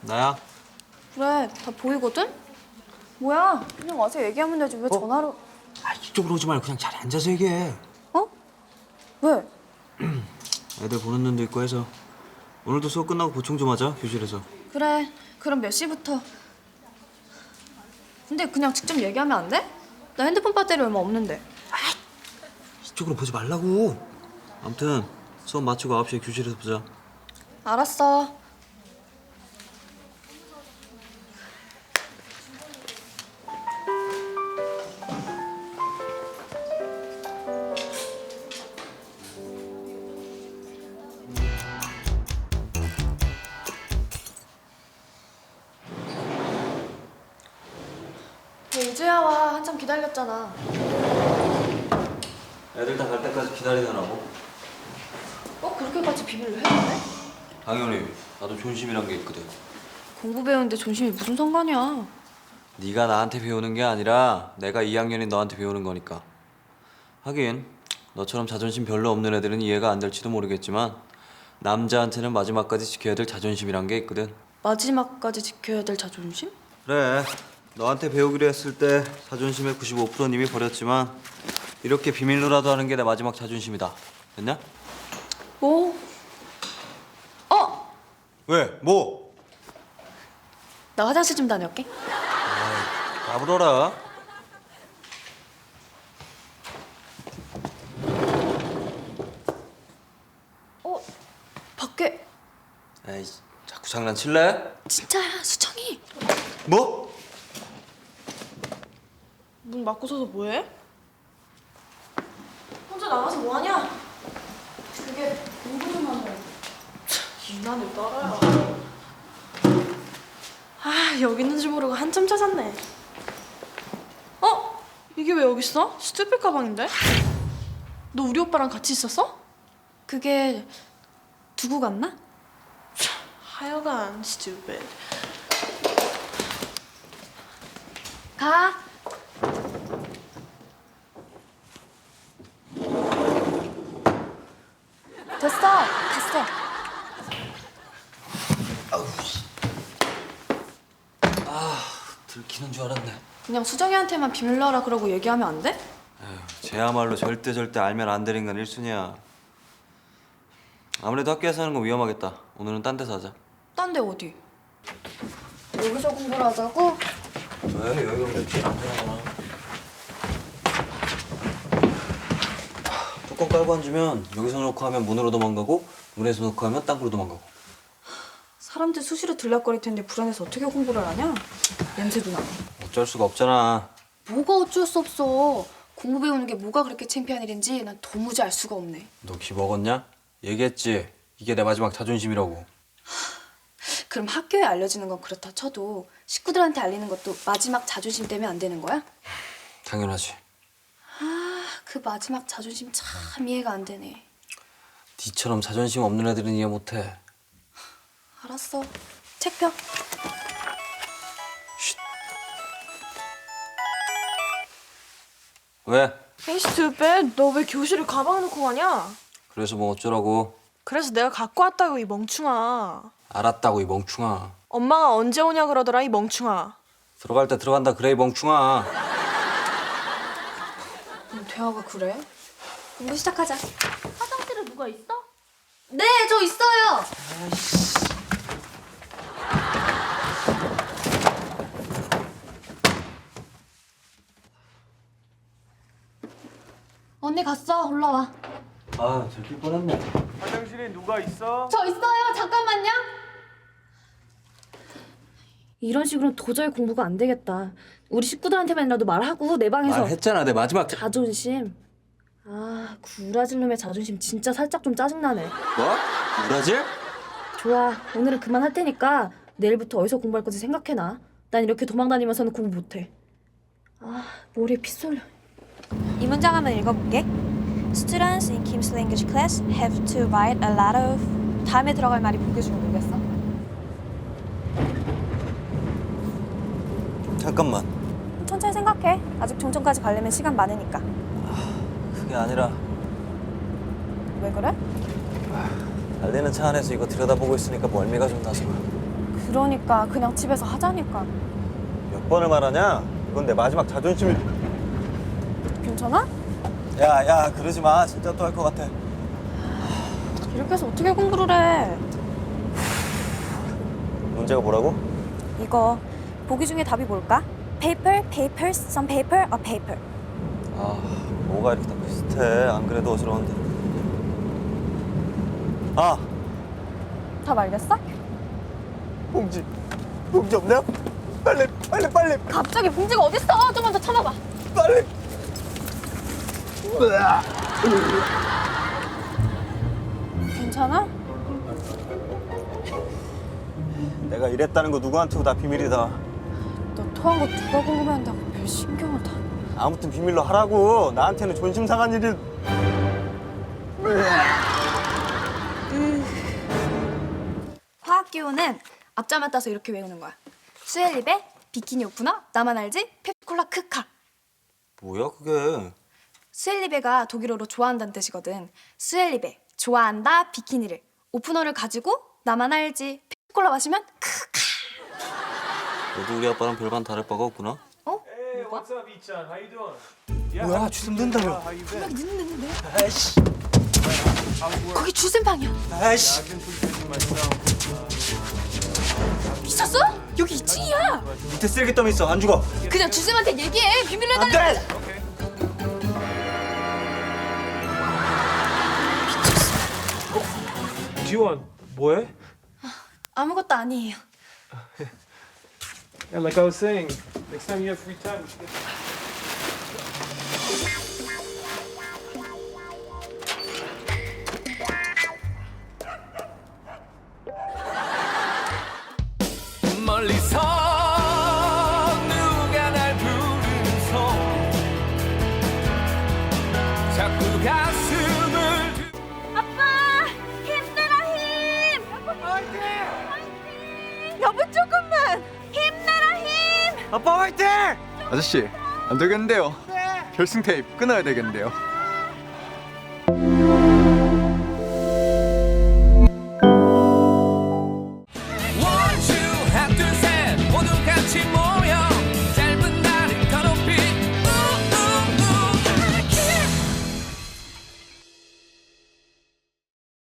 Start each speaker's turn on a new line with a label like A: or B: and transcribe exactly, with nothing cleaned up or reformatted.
A: 나야.
B: 그래, 다 보이거든? 뭐야, 그냥 와서 얘기하면 되지. 왜
A: 어?
B: 전화로...
A: 아, 이쪽으로 오지 말고 그냥 자리에 앉아서 얘기해.
B: 어? 왜?
A: 애들 보는 눈도 있고 해서. 오늘도 수업 끝나고 보충 좀 하자, 교실에서.
B: 그래, 그럼 몇 시부터? 근데 그냥 직접 얘기하면 안 돼? 나 핸드폰 배터리 얼마 없는데.
A: 이쪽으로 보지 말라고. 아무튼 수업 마치고 아홉 시에 교실에서 보자.
B: 알았어. 왜 이제야 와? 한참 기다렸잖아.
A: 애들 다 갈 때까지 기다리느라고.
B: 꼭 그렇게까지 비밀로 해야 돼?
A: 당연히 나도 존심이란 게 있거든.
B: 공부 배우는데 존심이 무슨 상관이야?
A: 네가 나한테 배우는 게 아니라 내가 이 학년인 너한테 배우는 거니까. 하긴 너처럼 자존심 별로 없는 애들은 이해가 안 될지도 모르겠지만 남자한테는 마지막까지 지켜야 될 자존심이란 게 있거든.
B: 마지막까지 지켜야 될 자존심?
A: 그래, 너한테 배우기로 했을 때 자존심의 구십오 퍼센트는 이미 버렸지만 이렇게 비밀로라도 하는 게 내 마지막 자존심이다. 됐냐?
B: 뭐? 어!
A: 왜? 뭐?
B: 나 화장실 좀 다녀올게.
A: 까불어라.
B: 어? 밖에
A: 에이, 자꾸 장난칠래?
B: 진짜야, 수정이.
A: 뭐?
B: 문 막고 서서 뭐해? 혼자 나가서 뭐하냐? 그게 공부 좀 한다. 유난을 따라야. 아, 여기 있는 줄 모르고 한참 찾았네. 어? 이게 왜 여기 있어? 스튜필 가방인데? 너 우리 오빠랑 같이 있었어? 그게 두고 갔나? 하여간 stupid. 가. 됐어. 갔어.
A: 들키는 줄 알았네.
B: 그냥 수정이한테만 비밀로 하라 그러고 얘기하면 안 돼?
A: 에휴, 쟤야말로 절대 절대 알면 안 되는 건 일순이야. 아무래도 학교에서 하는 건 위험하겠다. 오늘은 딴 데서 하자.
B: 딴 데 어디? 여기서 공부를 하자고?
A: 왜? 여기가 맵지 않잖아. 뚜껑 깔고 앉으면 여기서 놓고 하면 문으로 도망가고 문에서 놓고 하면 땅으로 도망가고.
B: 사람들 수시로 들락거릴 텐데 불안해서 어떻게 공부를 하냐? 냄새도 나고.
A: 어쩔 수가 없잖아.
B: 뭐가 어쩔 수 없어. 공부 배우는 게 뭐가 그렇게 창피한 일인지 난 도무지 알 수가 없네.
A: 너 기 먹었냐? 얘기했지. 이게 내 마지막 자존심이라고.
B: 그럼 학교에 알려지는 건 그렇다 쳐도 식구들한테 알리는 것도 마지막 자존심 때문에 안 되는 거야?
A: 당연하지.
B: 아, 그 마지막 자존심 참 이해가 안 되네.
A: 니처럼 자존심 없는 애들은 이해 못해.
B: 알았어. 책 펴.
A: 왜?
C: 에이 스튜피드, 너 왜 교실에 가방 놓고 가냐?
A: 그래서 뭐 어쩌라고.
C: 그래서 내가 갖고 왔다고 이 멍충아.
A: 알았다고 이 멍충아.
C: 엄마가 언제 오냐 그러더라 이 멍충아.
A: 들어갈 때 들어간다 그래 이 멍충아.
B: 음, 대화가 그래? 공부 시작하자.
D: 화장실에 누가 있어?
B: 네, 저 있어요. 언니 갔어. 올라와.
A: 아, 들킬 뻔했네.
E: 화장실에 누가 있어?
B: 저 있어요. 잠깐만요. 이런 식으로는 도저히 공부가 안 되겠다. 우리 식구들한테만이라도 말하고 내 방에서
A: 말했잖아 내 마지막.
B: 자존심. 아, 구라질 놈의 자존심 진짜 살짝 좀 짜증나네.
A: 뭐? 우라질?
B: 좋아, 오늘은 그만할 테니까 내일부터 어디서 공부할 건지 생각해놔. 난 이렇게 도망다니면서는 공부 못해. 아, 머리에 피 쏠려.
F: 이 문장 한번 읽어볼게. Students in Kim's language class have to write a lot of. 다음에 들어갈 말이 보기 중에 뭐겠어?
A: 잠깐만.
F: 천천히 생각해. 아직 종점까지 가려면 시간 많으니까.
A: 그게 아니라
F: 왜 그래?
A: 달리는 차 안에서 이거 들여다보고 있으니까 멀미가 좀 나서.
F: 그러니까 그냥 집에서 하자니까.
G: 몇 번을 말하냐? 이건 내 마지막 자존심을.
F: 괜찮아?
G: 야, 야, 그러지 마. 진짜 또 할 것 같아.
F: 이렇게 해서 어떻게 공부를 해?
G: 문제가 뭐라고?
F: 이거 보기 중에 답이 뭘까? paper, papers, some paper, a paper.
G: 아, 뭐가 이렇게 다 비슷해. 안 그래도 어지러운데. 아,
F: 답 알겠어?
G: 봉지. 봉지 없냐? 빨리, 빨리, 빨리,
F: 갑자기 봉지가 어딨어? 좀만 더 참아봐.
G: 빨리.
F: 괜찮아?
G: 내가 이랬다는 거 누구한테도 다 비밀이다.
F: 너 토한 거 누가 궁금해한다고 별 신경을 다.
G: 아무튼 비밀로 하라고. 나한테는 존심 상한 일이.
F: 화학 기호는 앞자만 따서 이렇게 외우는 거야. 수엘립의 비키니 오프너, 나만 알지? 펩콜라 크카.
G: 뭐야 그게?
F: 수엘리베가 독일어로 좋아한다는 뜻이거든. 수엘리베, 좋아한다, 비키니를. 오프너를 가지고 나만 알지, 펩콜라 마시면 크카.
A: 너도 우리 아빠랑 별반 다를 바가 없구나.
F: 어?
E: Hey,
F: 뭐가?
E: what's up, Ichan? How you doing? Yeah,
G: 뭐야,
E: how-
G: 주름 든다며.
E: How you been?
F: 연락이 늦는데?
G: 아이씨,
E: How's work?
F: 거기 주센방이야.
G: 아이씨.
E: I've been pretty busy myself.
F: 미쳤어? 여기 이 층이야.
G: 밑에 쓰레기더미 있어. 안 죽어.
F: 그냥 주쌤한테 얘기해. 비밀로
G: 안
F: 해달라.
G: 돼.
E: Okay. 지원, 뭐해?
F: 아무것도 아니에요.
E: And like I was saying, next time you have free time, we should get.
H: 멀리서 누가 날 부르면서 자꾸 가슴을
F: 아빠, 힘내라 힘. 화이팅. 여보 조금만 힘내라 힘.
G: 아빠 화이팅!
I: 아저씨 안 되겠는데요. 결승 테이프 끊어야 되겠는데요.